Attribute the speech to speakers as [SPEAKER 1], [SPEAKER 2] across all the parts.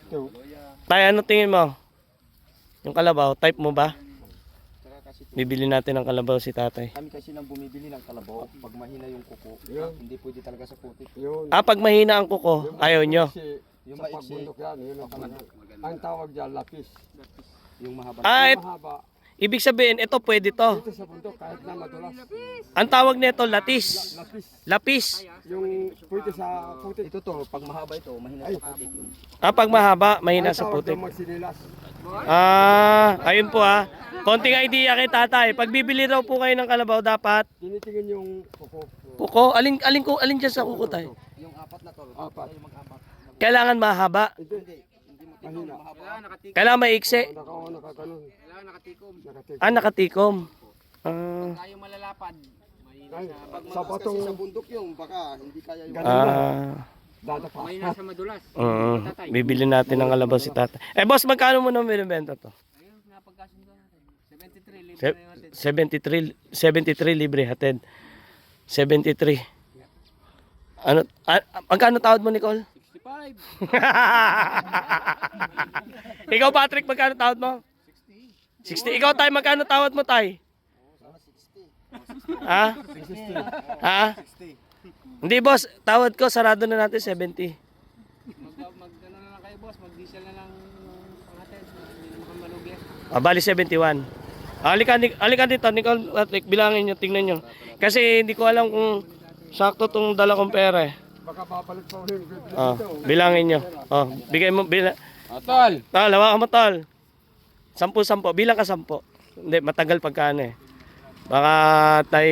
[SPEAKER 1] Tay, ano tingin mo? Yung kalabaw, type mo ba? Bibili natin ng kalabaw si tatay.
[SPEAKER 2] Kami kasi nang bumibili ng kalabaw pag mahina yung kuko. Hindi pwede talaga sa putik.
[SPEAKER 1] Pag mahina ang kuko, ayaw nyo.
[SPEAKER 2] Yung maiksi,
[SPEAKER 3] Ang tawag dyan, lapis.
[SPEAKER 2] yung mahaba.
[SPEAKER 3] Mahaba.
[SPEAKER 1] Ibig sabihin, ito pwede to.
[SPEAKER 3] Ito sa bundok, kahit na madulas.
[SPEAKER 1] Ang tawag nito, latis.
[SPEAKER 3] Lapis.
[SPEAKER 1] Lapis.
[SPEAKER 3] Yung pwede sa putik.
[SPEAKER 2] Ito to, pag mahaba ito, mahina sa putik yun.
[SPEAKER 1] Pag mahaba, mahina
[SPEAKER 3] Ang
[SPEAKER 1] sa
[SPEAKER 3] tawag
[SPEAKER 1] putik.
[SPEAKER 3] doon magsinilas.
[SPEAKER 1] Ayun po Konting idea kay tatay. Pag bibili daw po kayo ng kalabaw, dapat
[SPEAKER 3] Tinitingin yung kuko.
[SPEAKER 1] kuko. Alin dyan sa kuko tayo?
[SPEAKER 2] Yung apat na to,
[SPEAKER 3] Apat.
[SPEAKER 2] yung mag-apat.
[SPEAKER 1] Kailangan mahaba.
[SPEAKER 3] Hindi. Mahina.
[SPEAKER 1] Kailangan maiksi.
[SPEAKER 3] Nakaganon.
[SPEAKER 2] Nakatikom.
[SPEAKER 3] Nakatik.
[SPEAKER 1] Nakatikom.
[SPEAKER 2] Tayo malalapad.
[SPEAKER 3] Ay,
[SPEAKER 2] Pag
[SPEAKER 3] sa
[SPEAKER 2] mataas
[SPEAKER 3] batong
[SPEAKER 2] kasi sa bundok yung baka hindi kaya yung
[SPEAKER 3] dadapa.
[SPEAKER 2] may nasa madulas.
[SPEAKER 1] Bibili natin ng kalabaw si tatay. Boss, magkano mo nang binibenta to?
[SPEAKER 2] Ayun, napagkasundo natin. 73 libre na yung
[SPEAKER 1] 73 libre hatid. 73. Ano magkano tawad mo, Nicole?
[SPEAKER 2] 65.
[SPEAKER 1] Ikaw, Patrick, magkano tawad mo? 60. Ikaw, Tay, magkano tawad mo, Tay? Ha? Hindi, boss. Tawad ko, sarado na natin 70.
[SPEAKER 2] Mag-ano na lang kayo, boss. Mag-diesel na lang pangatin. Hindi na makamalugya.
[SPEAKER 1] Bali 71. Halika dito, Nicole, Patrick, bilangin nyo, tingnan nyo. Kasi hindi ko alam kung sakto tong dala kong pera eh.
[SPEAKER 3] Baka babalik pa ulit.
[SPEAKER 1] Bilangin nyo. Bigay mo,
[SPEAKER 2] Tol!
[SPEAKER 1] Tol, hawakan mo, tol. 10-10. Bilang ka 10. Hindi, matagal pagkaan eh. Baka tayo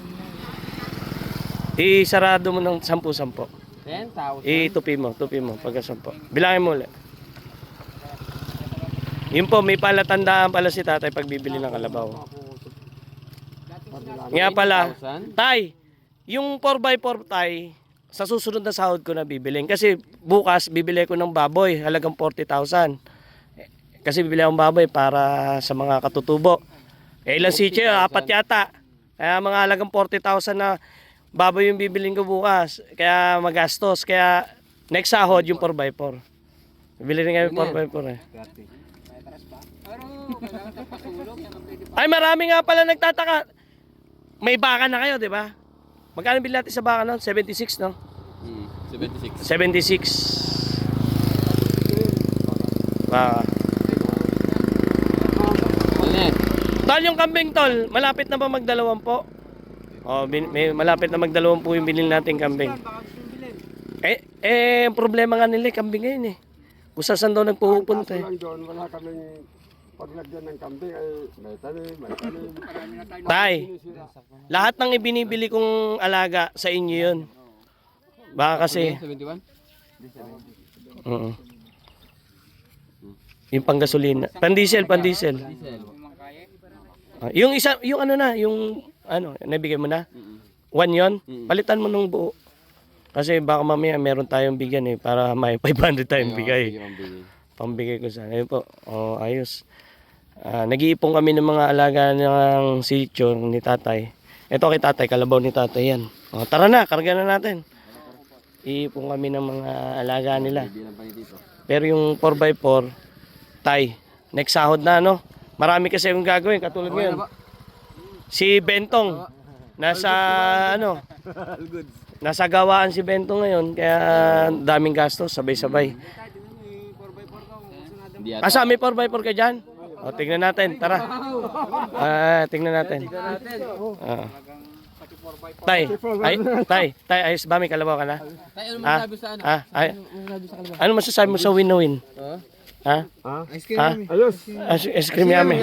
[SPEAKER 1] isarado mo ng 10-10.
[SPEAKER 2] 10,000.
[SPEAKER 1] Tupi mo pagka 10. Bilangin mo ulit. Yun po, may palatandaan pala si tatay pag bibili ng kalabaw. Nga pala, tay, yung 4x4 tay, sa susunod na sahod ko na bibilin. Kasi bukas, bibili ko ng baboy, halagang 40,000. Kasi bibili akong baboy para sa mga katutubo. Ilang sityo, 4 yata. Kaya mga halagang 40,000 na baboy yung bibilin ko bukas. Kaya magastos. Kaya next sahod yung 4x4. Bibili rin kami 4x4 eh. Ay, marami nga pala nagtataka. May baka na kayo, di ba? Magkano bilhin natin sa baka noon? 76, no?
[SPEAKER 2] 76.
[SPEAKER 1] 76. Baka. Tol, yung kambing, tol, malapit na ba mag-2 po? May malapit na mag-2 yung bilhin natin kambing. Ang problema nga nila, kambing ngayon eh. Kung saan daw nagpupunta eh.
[SPEAKER 3] Doon, wala kaming paglagyan ng kambing ay may tanim.
[SPEAKER 1] Tay, lahat ng ibinibili kong alaga sa inyo yun. Baka kasi...
[SPEAKER 2] 71?
[SPEAKER 1] Yung panggasolina. Pandiesel. Yung isa, yung nabigay mo na? 1 yon? Palitan mo ng buo. Kasi baka mamaya meron tayong bigyan eh, para may 500 tayong bigay. Pambigay ko sana. Ayun po, ayos. Nag-iipon kami ng mga alaga ng sitio ni tatay. Ito kay tatay, kalabaw ni tatay yan. Tara na, karga na natin. Iipon kami ng mga alaga nila. Pero yung 4x4, tay, next sahod na no? Marami kasi yung gagawin, katulad ngayon. Si Bentong, nasa gawaan si Bentong ngayon, kaya daming gastos, sabay-sabay. Asa, may 4x4 ka dyan? Tingnan natin, tara. Tingnan natin. Tay, ayos ba? May kalabaw ka na?
[SPEAKER 2] Tay, ano masasabi sa ano?
[SPEAKER 1] Ano masasabi mo sa win na win? Ha?
[SPEAKER 2] Ice cream.
[SPEAKER 3] Ayos.
[SPEAKER 1] Ice cream yummy.